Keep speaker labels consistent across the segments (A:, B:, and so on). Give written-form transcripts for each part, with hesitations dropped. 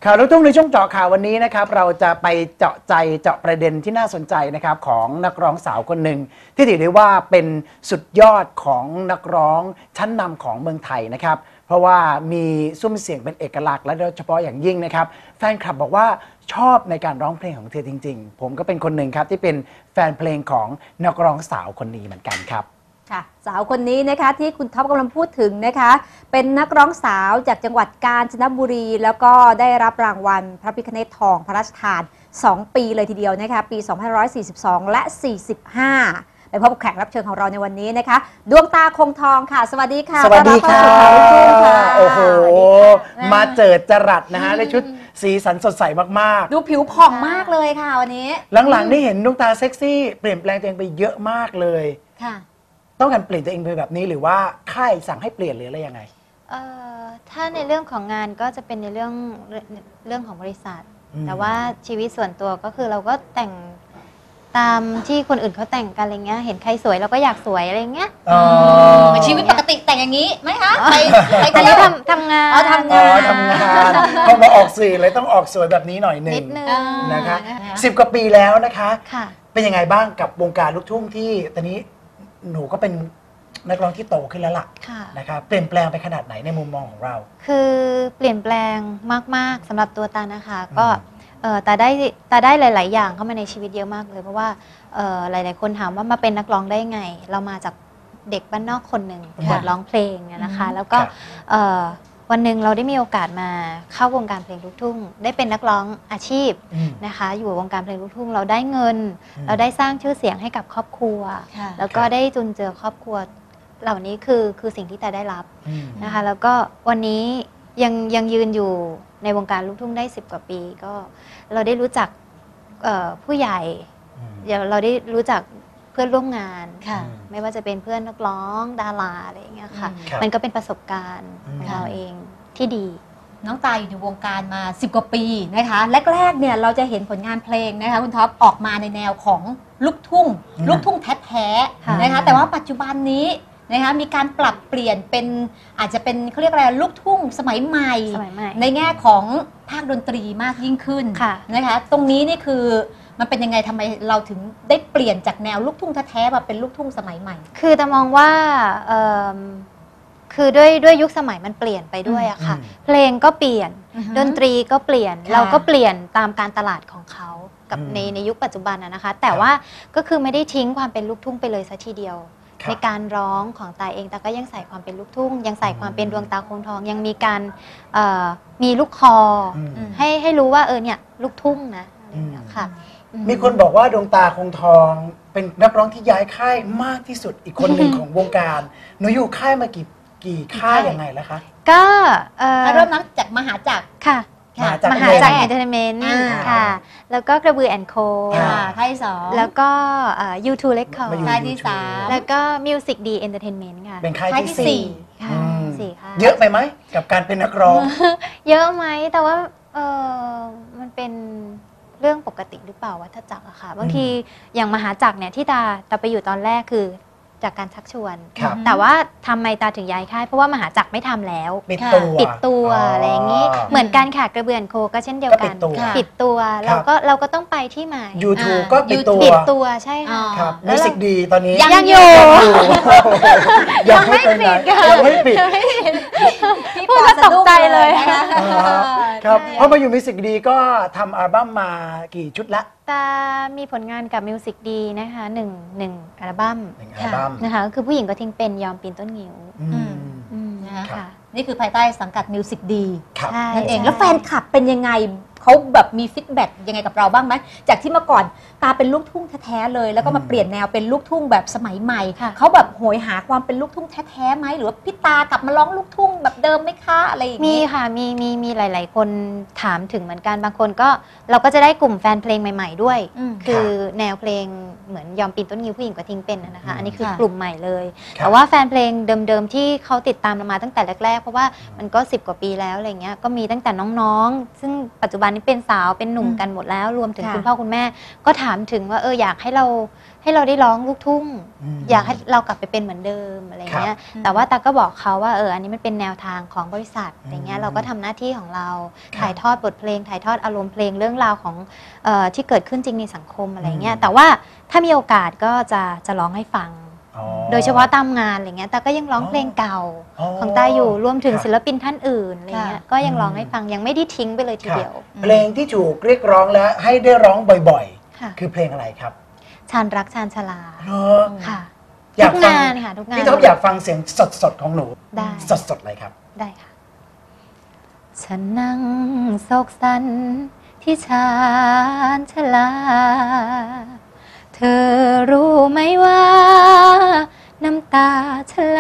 A: ข่าวลูกทุ่งในช่วงเจาะข่าววันนี้นะครับเราจะไปเจาะใจเจาะประเด็นที่น่าสนใจนะครับของนักร้องสาวคนหนึ่งที่ถือได้ว่าเป็นสุดยอดของนักร้องชั้นนำของเมืองไทยนะครับเพราะว่ามีซุ้มเสียงเป็นเอกลักษณ์และโดยเฉพาะอย่างยิ่งนะครับแฟนคลับบอกว่าชอบในการร้องเพลงของเธอจริงๆผมก็เป็นคนหนึ่งครับที่เป็นแฟนเพลงของนักร้องสาวคนนี้เหมือนกันครับ
B: ค่ะสาวคนนี้นะคะที่คุณท็อปกำลังพูดถึงนะคะเป็นนักร้องสาวจากจังหวัดกาญจนบุรีแล้วก็ได้รับรางวัลพระพิฆเนศทองพระราชทาน2 ปีเลยทีเดียวนะคะปี2542และ45ไปพบกับแขกรับเชิญของเราในวันนี้นะคะดวงตาคงทองค่ะสวัสดีค่ะ
A: สวัสดีค่ะโอ้โหมาเจิดจรัสนะฮะในชุดสีสันสดใสมาก
B: ๆดูผิวผ่องมากเลยค่ะวันนี้
A: หลังๆนี่เห็นดวงตาเซ็กซี่เปลี่ยนแปลงตัวเองไปเยอะมากเลย
B: ค่ะ
A: ต้องการเปลี่ยนตัวเองไปแบบนี้หรือว่าค่ายสั่งให้เปลี่ยนหรืออะไรยังไง
C: ถ้าในเรื่องของงานก็จะเป็นในเรื่องของบริษัทแต่ว่าชีวิตส่วนตัวก็คือเราก็แต่งตามที่คนอื่นเขาแต่งกันอะไรเงี้ยเห็นใครสวยเราก็อยากสวยอะไรเงี้ย
B: ชีวิตปกติแต่งอย่างนี้ไหมคะ
C: ไปอันนี้ทำงาน
A: ทำงานพอมาออกสื่อเลยต้องออกสวยแบบนี้หน่อยหนึ่งนะคะ10 กว่าปีแล้วนะคะเป็นยังไงบ้างกับวงการลูกทุ่งที่ตอนนี้หนูก็เป็นนักร้องที่โตขึ้นแล้วล่ะนะครับเปลี่ยนแปลงไปขนาดไหนในมุมมองของเรา
C: คือเปลี่ยนแปลงมากๆสำหรับตัวตานะคะก็ตาได้หลายๆอย่างเข้ามาในชีวิตเยอะมากเลยเพราะว่าหลายๆคนถามว่ามาเป็นนักร้องได้ไงเรามาจากเด็กบ้านนอกคนหนึ่งหัดร้องเพลงนะคะแล้วก็วันหนึ่งเราได้มีโอกาสมาเข้าวงการเพลงลูกทุ่งได้เป็นนักร้องอาชีพนะคะอยู่วงการเพลงลูกทุ่งเราได้เงินเราได้สร้างชื่อเสียงให้กับครอบครัวแล้วก็ได้จุนเจือครอบครัวเหล่านี้คือสิ่งที่แต่ได้รับนะคะแล้วก็วันนี้ยังยืนอยู่ในวงการลูกทุ่งได้10 กว่าปีก็เราได้รู้จักผู้ใหญ่เราได้รู้จักเพื่อนร่วมงานไม่ว่าจะเป็นเพื่อนนักร้องดาราอะไรอย่างเงี้ยค่ะมันก็เป็นประสบการณ์ของเราเองที่ดี
B: น้องตายอยู่ในวงการมา10 กว่าปีนะคะแรกๆเนี่ยเราจะเห็นผลงานเพลงนะคะคุณท็อปออกมาในแนวของลูกทุ่งแท้ๆนะคะแต่ว่าปัจจุบันนี้นะคะมีการปรับเปลี่ยนเป็นอาจจะเป็นเขาเรียกอะไรลูกทุ่งสมัยใหม่ในแง่ของภาคดนตรีมากยิ่งขึ้นนะคะตรงนี้นี่คือมันเป็นยังไงทำไมเราถึงได้เปลี่ยนจากแนวลูกทุ่งแท้ๆมาเป็นลูกทุ่งสมัยใหม่
C: คือแต่มองว่าคือด้วยยุคสมัยมันเปลี่ยนไปด้วยอะค่ะเพลงก็เปลี่ยนดนตรีก็เปลี่ยนเราก็เปลี่ยนตามการตลาดของเขากับในยุคปัจจุบันนะคะแต่ว่าก็คือไม่ได้ทิ้งความเป็นลูกทุ่งไปเลยซะทีเดียวในการร้องของตาเองตาก็ยังใส่ความเป็นลูกทุ่งยังใส่ความเป็นดวงตาคงทองยังมีการมีลูกคอให้รู้ว่าเนี่ยลูกทุ่งนะค่ะ
A: มีคนบอกว่าดวงตาคงทองเป็นนักร้องที่ย้ายค่ายมากที่สุดอีกคนหนึ่งของวงการหนูอยู่ค่ายมากี่ค่ายยังไงแล้วคะ
C: ก็
B: เริ่มนับจากมหาจักร
C: ค่ะมหาจักรเอนเตอร์เทนเมนต์ค่ะแล้วก็กระบือแอนโค
B: ค่ายที่2
C: แล้วก็U2 Record
B: ค่ายที่3
C: แล้วก็ Music D Entertainment ค่ะ
A: เป็นค่ายที่4
C: ค่ะ4ค่ะ
A: เยอะไปไหมกับการเป็นนักร้อง
C: เยอะไหมแต่ว่ามันเป็นเรื่องปกติหรือเปล่าวัฏจักรอะค่ะบางทีอย่างมหาจักรเนี่ยที่ตาไปอยู่ตอนแรกคือจากการชักชวนแต่ว่าทำไมตาถึงย้ายค่ายเพราะว่ามหาจักรไม่ทำแล้วปิดตัวอะไรอย่างนี้เหมือนกันค่ะกระเบือนโคก็เช่นเดียวกันปิดตัวเราก็ต้องไปที่ใหม่
A: YouTube ก็ปิด
C: ตัวใช่ค่ะ
A: มิวสิกดีตอนนี้
C: ยังอยู่
A: ยังไม่ปิดยังไม่ปิด
C: พูดแล้วตกใจเลย
A: ครับเพราะมาอยู่มิวสิกดีก็ทำอัลบั้มมากี่ชุดละ
C: ตามีผลงานกับมิวสิกดีนะคะหนึ่งอัลบั้มนะคะก็คือผู้หญิงก็ทิ้งเป็นยอมปีนต้นงิ้ว
B: นะคะนี่คือภายใต้สังกัดมิวสิกดีนั่นเองแล้วแฟนคลับเป็นยังไงเขาแบบมีฟีดแบ็กยังไงกับเราบ้างไหมจากที่เมื่อก่อนตาเป็นลูกทุ่งแท้ๆเลยแล้วก็มาเปลี่ยนแนวเป็นลูกทุ่งแบบสมัยใหม่เขาแบบโหยหาความเป็นลูกทุ่งแท้ๆไหมหรือว่าพี่ตากลับมาร้องลูกทุ่งแบบเดิมไหมคะอะไรอย่างนี้
C: มีค่ะมีหลายๆคนถามถึงเหมือนกันบางคนก็เราก็จะได้กลุ่มแฟนเพลงใหม่ๆด้วยคือแนวเพลงเหมือนยอมปีนต้นงิ้วผู้หญิงก็ทิ้งเป็นนะคะอันนี้คือกลุ่มใหม่เลยแต่ว่าแฟนเพลงเดิมๆที่เขาติดตามเรามาตั้งแต่แรกๆเพราะว่ามันก็10 กว่าปีแล้วอะไรเงี้ยก็มีตั้งแต่น้องๆซึ่งปัจจุบันอนนี้เป็นสาวเป็นหนุ่มกันหมดแล้วรวมถึง
B: ค่ะ
C: คุณพ่อคุณแม่ก็ถามถึงว่าอยากให้เราได้ร้องลูกทุ่ง อยากให้เรากลับไปเป็นเหมือนเดิมอะไรเงี้ยแต่ว่าตาก็บอกเขาว่าอันนี้มันเป็นแนวทางของบริษัทอย่างเงี้ยเราก็ทำหน้าที่ของเราถ่ายทอดบทเพลงถ่ายทอดอารมณ์เพลงเรื่องราวของที่เกิดขึ้นจริงในสังคมอะไรเงี้ยแต่ว่าถ้ามีโอกาสก็จะร้องให้ฟังโดยเฉพาะตามงานอะไรเงี้ยแต่ก็ยังร้องเพลงเก่าของตาอยู่รวมถึงศิลปินท่านอื่นอะไรเงี้ยก็ยังร้องให้ฟังยังไม่ได้ทิ้งไปเลยทีเดียว
A: เพลงที่ถูกเรียกร้องและให้ได้ร้องบ่อยๆคือเพลงอะไรครับ
C: ชานรักชานชลาค่ะ
A: อยาก
C: ทุก
A: ฟัง
C: งานค่ะทุกงาน
A: พี่ท็อปอยากฟังเสียงสดๆของหนู
C: ได้
A: สดๆเลยครับ
C: ได้ค่ะฉันนั่งโศกสันที่ชานชลาเธอรู้ไหมว่าน้ำตาฉันไหล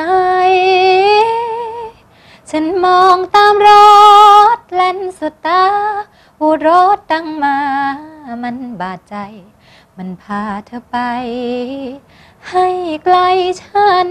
C: ฉันมองตามรถแล่นสุดตาหูรถดังมามันบาดใจมันพาเธอไปให้ไกลฉัน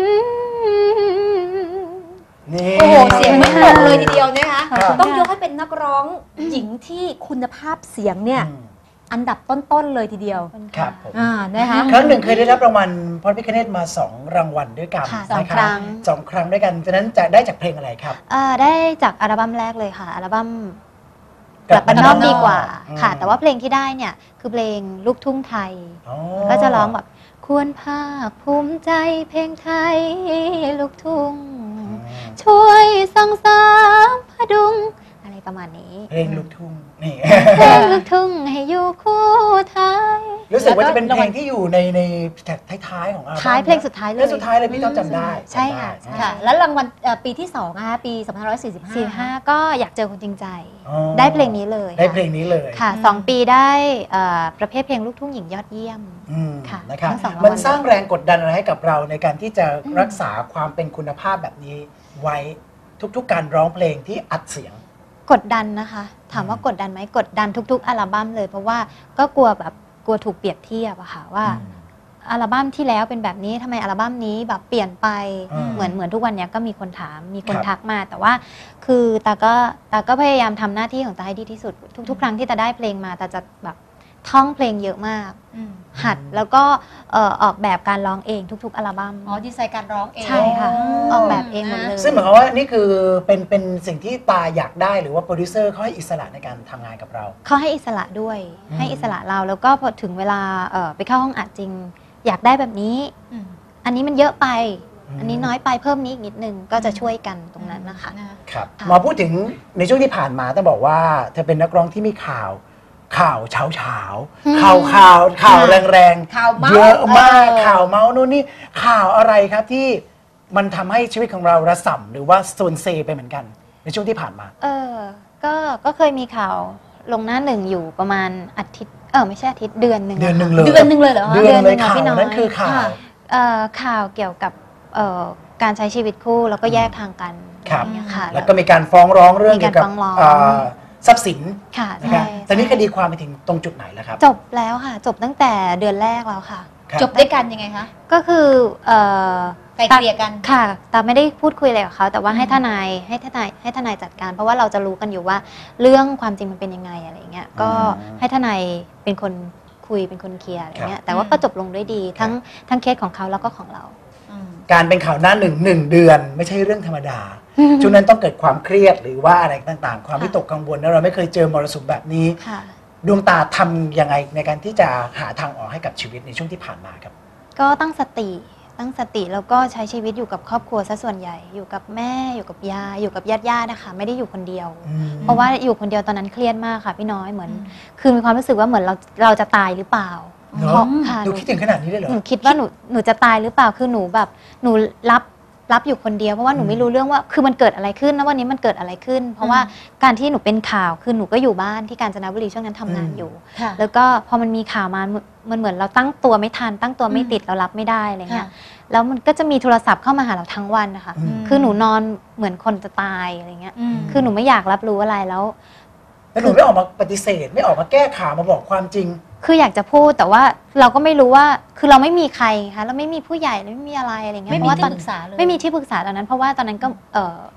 A: นี่
B: โอ้โหเสียงไม่ตกเลยทีเดียวนะคะ
A: ครับ
B: ต้องยกให้เป็นนักร้องหญิงที่คุณภาพเสียงเนี่ยอันดับต้นๆเลยทีเดียว
A: ครับผม
B: นะคะ
A: ครั้งหนึ่งเคยได้รับรางวัลพระพิฆเนศมา2 รางวัลด้วยกัน
C: ค่ะสอง
A: นะค
C: ครั้
A: รับ
C: ง
A: 2 ครั้งด้วยกันฉะนั้นจะได้จากเพลงอะไรครับ
C: ได้จากอัลบั้มแรกเลยค่ะอัลบั้มกลับบ้านนอกดีกว่าค่ะแต่ว่าเพลงที่ได้เนี่ยคือเพลงลูกทุ่งไทยก็จะร้องแบบควรภาคภูมิใจเพลงไทยลูกทุ่งช่วยส่งเสริมพดุงอะไรประมาณนี้
A: เพลงลูกทุ่งนี่
C: เพลงลูกทุ่งให้อยู่คู่ไทย
A: รู้สึกว่าจะเป็นเพลงที่อยู่ในท้ายๆของอัลบั้ม
C: ท้ายเพลงสุดท้ายเลย
A: เพลงสุดท้ายเลยพี่ท็อปจำได้
C: ใช่ค่ะ
A: จำได้
B: ค่ะ แล้วรางวัลปีที่2นะคะปี 2545
C: 45ก็อยากเจอคนจริงใจ
A: อ๋อ
C: ได้เพลงนี้เลย
A: ได้เพลงนี้เลย
C: ค่ะ2 ปีได้ประเภทเพลงลูกทุ่งหญิงยอดเยี่ยม ค่ะ
A: นะครับ
C: ทั้งสองรางวัล
A: มันสร้างแรงกดดันอะไรให้กับเราในการที่จะรักษาความเป็นคุณภาพแบบนี้ไว้ทุกๆการร้องเพลงที่อัดเสียง
C: กดดันนะคะ ถามว่ากดดันไหมกดดันทุกๆอัลบั้มเลยเพราะว่าก็กลัวถูกเปรียบเทียบอะค่ะว่าอัลบั้มที่แล้วเป็นแบบนี้ทำไมอัลบั้มนี้แบบเปลี่ยนไปเหมือนทุกวันนี้ก็มีคนถามมีคนทักมาแต่ว่าคือตาก็พยายามทำหน้าที่ของตาให้ดีที่สุดทุกครั้งที่ตาได้เพลงมาตาจะแบบท่องเพลงเยอะมากหัดแล้วก็ออกแบบการร้องเองทุกๆอัลบั้ม
B: ดีไซน์การร้องเอง
C: ใช่ค่ะออกแบบเองหมดเลย
A: ซึ่งหมายความว่านี่คือเป็นสิ่งที่ตาอยากได้หรือว่าโปรดิวเซอร์เขาให้อิสระในการทำงานกับเรา
C: เขาให้อิสระด้วยให้อิสระเราแล้วก็พอถึงเวลาไปเข้าห้องอัดจริง อยากได้แบบนี้อันนี้มันเยอะไป อันนี้น้อยไปเพิ่มนี้อีกนิดนึงก็จะช่วยกันตรงนั้นนะคะ
A: ครับมาพูดถึงในช่วงที่ผ่านมาต้องบอกว่าเธอเป็นนักร้องที่มีข่าวเช้าข่าวแรง
B: ข่าวเมาส์
A: เยอะมากข่าวเมาส์นู่นนี่ข่าวอะไรครับที่มันทำให้ชีวิตของเราระส่ำหรือว่าโซนเซไปเหมือนกันในช่วงที่ผ่านมา
C: ก็เคยมีข่าวลงหน้าหนึ่งอยู่ประมาณอาทิตย์ไม่ใช่อาทิตย์เดือนหนึ่ง
A: เดือนหนึ่งเลย
B: เดือนหนึ่งเลยเหรอคะ
A: เดือนเลย
C: ค่ะ
A: ข่าว
C: พี่น้อย
A: นั้นคือข่าว
C: ข่าวเกี่ยวกับการใช้ชีวิตคู่แล้วก็แยกทางกัน
A: ครับ
C: อย่างเงี้ยค่ะ
A: แล้วก็มีการฟ้องร้องเรื่อง
C: มี
A: เกี่
C: กาย ร
A: วกับ
C: ฟ้องร้อง
A: ทรัพย์สิน
C: ค่ะ
A: นะค
C: ใช่
A: รับตอนนี้คดีความไปถึงตรงจุดไหนแล้วครับ
C: จบแล้วค่ะ จบตั้งแต่เดือนแรกแล้วค่ะ
A: ครับ
B: จบด้วยกันยังไงคะ
C: ก็คือ
B: ไกลเกลี่ยกัน
C: ค่ะแต่ไม่ได้พูดคุยอะไรกับเขาแต่ว่าให้ทนายจัดการ เพราะว่าเราจะรู้กันอยู่ว่าเรื่องความจริงมันเป็นยังไงอะไรเงี้ยก็ให้ทนายเป็นคนคุยเป็นคนเคลียร์อะไรเงี้ยแต่ว่าก็จบลงด้วยดีทั้งเคสของเขาแล้วก็ของเรา
A: การเป็นข่าวหน้าหนึ่งเดือนไม่ใช่เรื่องธรรมดา ช่วงนั้นต้องเกิดความเครียดหรือว่าอะไรต่างๆ ความวิตกกังวลแล้วเราไม่เคยเจอมรสุมแบบนี้ ดวงตาทำยังไงในการที่จะหาทางออกให้กับชีวิตในช่วงที่ผ่านมาครับ
C: ก็ตั้งสติแล้วก็ใช้ชีวิตอยู่กับครอบครัวซะส่วนใหญ่อยู่กับแม่อยู่กับยายอยู่กับญาตินะคะไม่ได้อยู่คนเดียว เพราะว่าอยู่คนเดียวตอนนั้นเครียดมากค่ะพี่น้อยเหมือนคือมีความรู้สึกว่าเหมือนเราจะตายหรือเปล่า
A: เพราะ
C: ค่ะ
A: ดูคิดถึงขนาดนี้เลยเหรอ
C: หนูคิดว่าหนูจะตายหรือเปล่าคือหนูแบบหนูรับอยู่คนเดียวเพราะว่าหนูไม่รู้เรื่องว่าคือมันเกิดอะไรขึ้นนะวันนี้มันเกิดอะไรขึ้น เพราะว่าการที่หนูเป็นข่าวคือหนูก็อยู่บ้านที่กาญจนบุรีช่วงนั้นทำงานอยู่ แล้วก็พอมันมีข่าวมามันเหมือนเราตั้งตัวไม่ทันตั้งตัวไม่ติดเรารับไม่ได้อะไรเงี้ยแล้วมันก็จะมีโทรศัพท์เข้ามาหาเราทั้งวันนะคะคือหนูนอนเหมือนคนจะตายอะไรเงี้ยคือหนูไม่อยากรับรู้อะไรแล้ว
A: หนูไม่ออกมาปฏิเสธไม่ออกมาแก้ข่าวมาบอกความจริง
C: คืออยากจะพูดแต่ว่าเราก็ไม่รู้ว่าคือเราไม่มีใครคะเราไม่มีผู้ใหญ่ไม่มีอะไรอะไรเงี้ย
B: ไม่มีที่ปรึกษาเลย
C: ไม่มีที่ปรึกษาตอนนั้นเพราะว่าตอนนั้นก็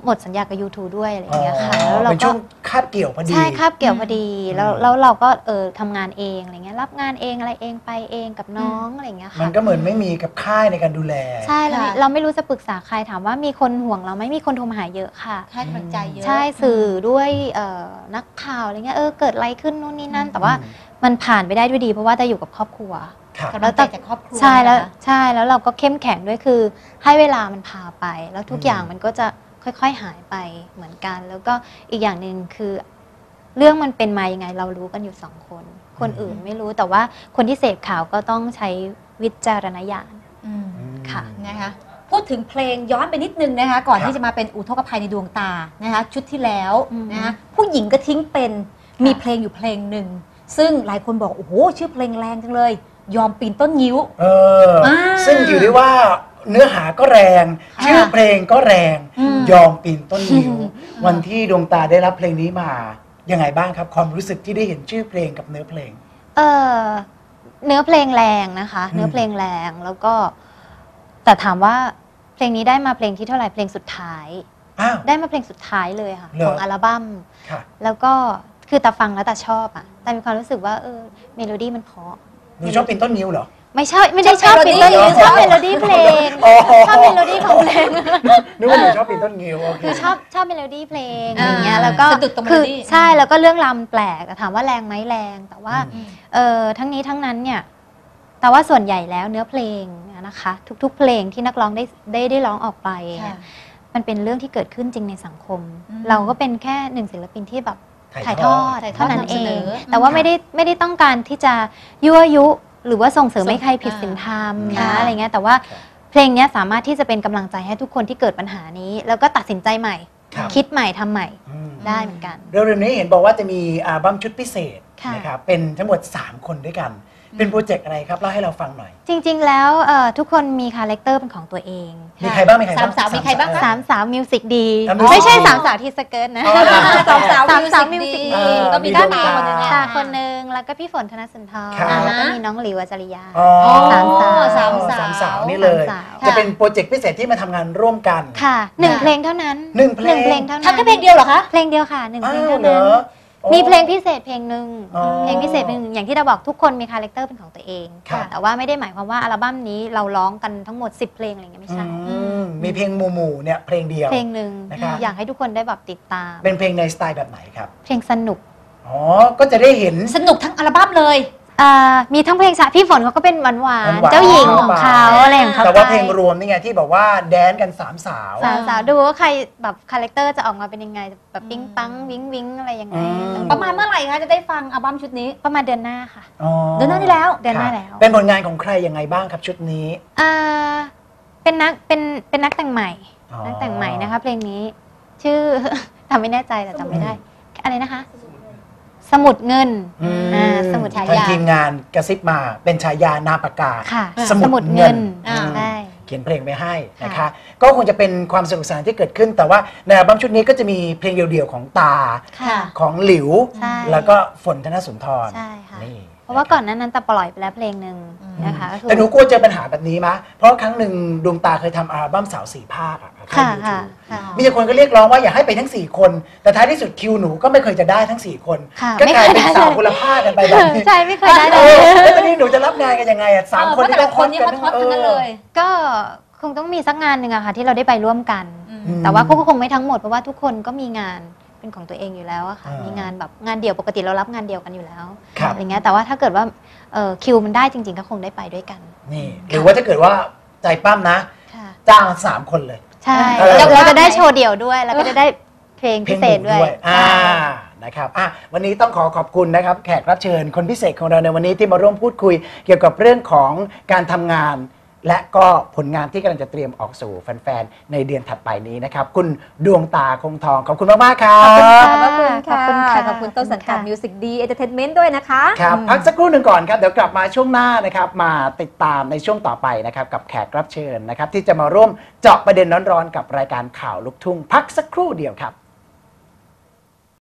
C: หมดสัญญากับ YouTube ด้วยอะไรอย่างเงี้ยค่ะแล้วเรา
A: เป็น
C: ก็
A: ช่วงคาบเกี่ยวพอดี
C: ใช่คาบเกี่ยวพอดีแล้วเราก็ทำงานเองอะไรเงี้ยรับงานเองอะไรเองไปเองกับน้องอะไรอย่างเงี้ย
A: มั
C: ค่ะ
A: นก็เหมือนไม่มีกับค่ายในการดูแล
C: ใช่เรา
B: ค่ะ
C: เราไม่รู้จะปรึกษาใครถามว่ามีคนห่วงเราไหมมีคนโทรมาหาเยอะค่ะ
B: ให้กำลังใจเยอะ
C: ใช่สื่อด้วยนักข่าวอะไรเงี้ยเกิดอะไรขึ้นนู่นนี่นั่น แต่ว่ามันผ่านไปได้ด้วยดีเพราะว่าได้อยู่กับครอบครัว
A: ครับ
B: กำลังใจจากครอบครัว
C: ใช่แล้ว
B: นะคะ
C: ใช่แล้วเราก็เข้มแข็งด้วยคือให้เวลามันพาไป แล้วทุกอย่างมันก็จะค่อยๆหายไปเหมือนกัน แล้วก็อีกอย่างหนึ่งคือเรื่องมันเป็นมายังไงเรารู้กันอยู่2 คนคนอื่นไม่รู้แต่ว่าคนที่เสพข่าวก็ต้องใช้วิจารณญาณ
B: อืม
C: ค่ะ
B: นะคะพูดถึงเพลงย้อนไปนิดนึงนะคะก่อน
A: ครับ
B: ที่จะมาเป็นอุทกภัยในดวงตานะคะชุดที่แล้ว
C: อืม
B: นะคะผู้หญิงก็ทิ้งเป็นมีเพลงอยู่เพลงหนึ่งซึ่งหลายคนบอกโอ้โหชื่อเพลงแรงจังเลย ยอมปีนต้นงิ้ว
A: ซึ่งถือได้ว่าเนื้อหาก็แรง
B: ค่ะ
A: ชื่อเพลงก็แรง
B: อืม
A: ยอมปีนต้นนิ้ว วันที่ดวงตาได้รับเพลงนี้มายังไงบ้างครับ ความรู้สึกที่ได้เห็นชื่อเพลงกับเนื้อเพลง
C: เออเนื้อเพลงแรงนะคะ เนื้อเพลงแรงแล้วก็แต่ถามว่าเพลงนี้ได้มาเพลงที่เท่าไหร่เพลงสุดท้าย
A: อ้าว
C: ได้มาเพลงสุดท้ายเลยค่ะ
A: เหรอ
C: ของอัลบั้ม
A: ค่ะ
C: แล้วก็คือแต่ฟังแล้วแต่ชอบอ่ะแต่มีความรู้สึกว่าเมโลดี้มันเพราะ
A: หนูชอบปีนต้นนิ้วเหรอ
C: ไม่ใช่ไม่ได้ชอบเป็นต้น
B: ชอบ
C: ชอบเมโลดี้เพลง
A: อ๋อ
C: ชอบเมโลดี้ของเพลง
A: นึกว่าหนูชอบปีนต้นนิ้วโอเค
C: คือชอบเมโลดี้เพลง
B: อ่า
C: อย่างเงี้ยแล้วก็
B: สะดุดตรงเม
C: คื
B: โลดี้
C: ใช่แล้วก็เรื่องราวมันแปลกแต่ถามว่าแรงไหมแรงแต่ว่า
A: อืม
C: ทั้งนี้ทั้งนั้นเนี่ยแต่ว่าส่วนใหญ่แล้วเนื้อเพลงนะคะ ทุกๆ เพลงที่นักร้องได้ร้องออกไปเนี่ย
B: ค่ะ
C: มันเป็นเรื่องที่เกิดขึ้นจริงในสังคม
B: อืม
C: เราก็เป็นแค่หนึ่งศิลปินที่แบบถ่ายทอด
B: ถ่ายทอด
C: เท่านั้น
B: นำ
C: เอ
B: เสน
C: ง
B: อ
C: แต่ว่าไม่ได้ต้องการที่จะยั่วยุหรือว่าส่งเสริมให้ใครผิดศีลธรรม
B: ค่ะ
C: นะอะไรเงี้ยแต่ว่าเพลงเนี้ยสามารถที่จะเป็นกำลังใจให้ทุกคนที่เกิดปัญหานี้ แล้วก็ตัดสินใจใหม่
A: ครับ
C: คิดใหม่ทำใหม่
A: อืม
C: ได้เหมือนกัน
A: เร็วๆนี้เห็นบอกว่าจะมีอัลบั้มชุดพิเศษ
C: ค่ะ
A: นะครับเป็นทั้งหมด 3 คนด้วยกัน เป็นโปรเจกต์อะไรครับเล่าให้เราฟังหน่อย
C: จริงๆแล้วทุกคนมีคาแรคเตอร์เป็นของตัวเอง
A: มีใครบ้างมีใครบ้าง
B: สามสาวมีใครบ้างคะ
C: สามสาวมิวสิกดี
A: อ่ะ music
C: ไม่ใช่
A: ดี
C: สามสาวที่สเกิร์ตนะ
A: อ๋อเหรอ
B: สามสาว
C: สามสาว
B: มิ
C: มิ
B: ว
C: ว
B: สิ
C: สิ
B: ก
C: ก
B: ดี
C: ดี
B: ก็มี
A: มี
B: ด้า
A: ดวง
B: ตา
A: ตา
B: คนหนึง
C: ตาคนหนึ่งแล้วก็พี่ฝนธนสุนทร
A: ครับ
C: แล้วก็มีน้องหลิวอัจฉริยา
A: อ๋อ
C: สามสาว
B: สามสาว
A: สามสาวนี่เลย
C: สามสาว
A: จะเป็นโปรเจกต์พิเศษที่มาทำงานร่วมกัน
C: ค่ะหนึ่งเพลงเท่านั้น
A: หนึ่งเพลง
C: เท่านั้น
B: ทำแค่เพลงเดียวเหรอคะ
C: เพลงเดียวค่ะหนึ่งเพลง
A: อ้าว
C: เท่า
A: เหร
C: นั้น
A: อโอ้
C: มีเพลงพิเศษเพลงหนึ่ง
A: อ๋อ
C: เพลงพิเศษเพลงหนึ่งอย่างที่เราบอกทุกคนมีคาแรคเตอร์เป็นของตัวเอง
A: ครับ
C: แต่ว่าไม่ได้หมายความว่าอัลบั้มนี้เราร้องกันทั้งหมด 10 เพลงอะไรอย่างเงี้ยไม่ใช่
A: มีเพลงหมู่ๆเนี่ยเพลงเดียว
C: เพลงหนึ่ง
A: นะครับ
C: อยากให้ทุกคนได้แบบติดตาม
A: เป็นเพลงในสไตล์แบบไหนครับ
C: เพลงสนุก
A: อ๋อ ก็จะได้เห็น
B: สนุกทั้งอัลบั้มเลย
C: มีทั้งเพลงช้าพี่ฝนเขาก็เป็นหวาน
A: หวาน
C: ๆ
A: ๆ
C: เจ้าหญิงของเขา
B: เข้าไป
C: อะไรของเขา
A: แต่ว่า
C: ไป
A: เพลงรวมนี่ไงที่บอกว่าแดนกันสามสาว
C: สาวๆดูว่าใครแบบคาแรคเตอร์จะออกมาเป็นยังไงแบบปิ๊งปังวิ้งวิ้งอะไรยังไง
B: ประมาณเมื่อไหร่คะจะได้ฟังอัลบั้มชุดนี้
C: ประมาณเดือนหน้าค่ะ
A: อ๋อ
B: เดือนหน้านี้แล้ว
C: เดือนหน้า
A: ครับ
C: แล้ว
A: เป็นผลงานของใครยังไงบ้างครับชุดนี้
C: อ่าเป็นนักแต่งใหม่
A: อ๋อ
C: นักแต่งใหม่นะคะ เพลงนี้ชื่อ จำไม่แน่ใจแต่จำไม่ได้ อะไรนะคะ สมุดเงิน
A: อืม
C: สมุด
A: ทาง
C: ฉายา
A: ทีมงานกระซิบมาเป็นฉายานามปากกา
C: ค่ะ
A: สมุดเงิน
B: อ่า
C: ใช่
A: เขียนเพลงไปให้นะคะ
C: ค่ะ
A: ก็คงจะเป็นความสนุกสนานที่เกิดขึ้น แต่ว่าในอัลบั้มชุดนี้ก็จะมีเพลงเดี่ยวๆของตา
C: ค่ะ
A: ของหลิว
C: ใช่
A: แล้วก็ฝนธนสุนทร
C: ใช่ค่ะ
A: นี่
C: เพราะว่าก่อนหนั้นแต่ปล่อยไปแล้วเพลงหนึ่งนะคะก็คือ
A: แต่หนูกลัวเจอปัญหาแบบนี้มะเพราะครั้งหนึ่งดวงตาเคยทำอัลบั้มสาวสี่ภาคอะ
C: ค่ะ
A: ทาง
C: ค่ะ
A: YouTube
C: ค่ะ
A: มีคนก็เรียกร้องว่าอยากให้ไปทั้ง 4 คน แต่ท้ายที่สุดคิวหนูก็ไม่เคยจะได้ทั้ง 4 คน
C: ค่ะ
A: ก็กลาย
C: ไม่
A: เป็น
C: เคยได้
A: สาวคนละภาคกันไปแบบนี้
C: ใช่ไม่เคยได้เล
A: เอย อแล้วตอนนี้หนูจะรับงานกันยังไงอะสามคน
B: เพราะแต่ละคนนี่ฮอตๆทั้งนั้นเลย
C: ก็คงต้องมีสักงานหนึ่งอะค่ะที่เราได้ไปร่วมกัน
B: อืม
C: แต่ว่าก็คงไม่ทั้งหมดเพราะว่าทุกคนก็มีงานเป็นของตัวเองอยู่แล้วอะค่ะ
A: อ่ามี
C: มีงานแบบงานเดี่ยวปกติเรารับงานเดียวกันอยู่แล้ว
A: ครับ
C: อะไรเงี้ยแต่ว่าถ้าเกิดว่าคิวมันได้จริงๆก็คงได้ไปด้วยกัน
A: นี่หรือว่าถ้าเกิดว่าใจปั้มนะ
C: ค่ะ
A: จ้าง3 คนเลย
C: ใช่
A: เออ
C: เราจะได้โชว์เดี่ยวด้วย แล้วก็จะได้เพลงพิเศษด้วย
A: นะครับวันนี้ต้องขอบคุณนะครับแขกรับเชิญคนพิเศษของเราในวันนี้ที่มาร่วมพูดคุยเกี่ยวกับเรื่องของการทำงาน และก็ผลงานที่กำลังจะเตรียมออกสู่แฟนๆในเดือนถัดไปนี้นะครับคุณดวงตาคงทองขอบคุณมากๆครับ
B: ขอบคุณ
C: ขอบคุณ
B: ค่ะ
C: ค่ะ
B: ขอบคุณต้นสังกัด
C: ค่ะ
B: มิวสิกดีเอนเตอร์เทนเมนต์ด้วยนะคะ
A: ครับพักสักครู่หนึ่งก่อนครับเดี๋ยวกลับมาช่วงหน้านะครับมาติดตามในช่วงต่อไปนะครับกับแขกรับเชิญนะครับที่จะมาร่วมเจาะประเด็นร้อนๆกับรายการข่าวลูกทุ่งพักสักครู่เดียวครับ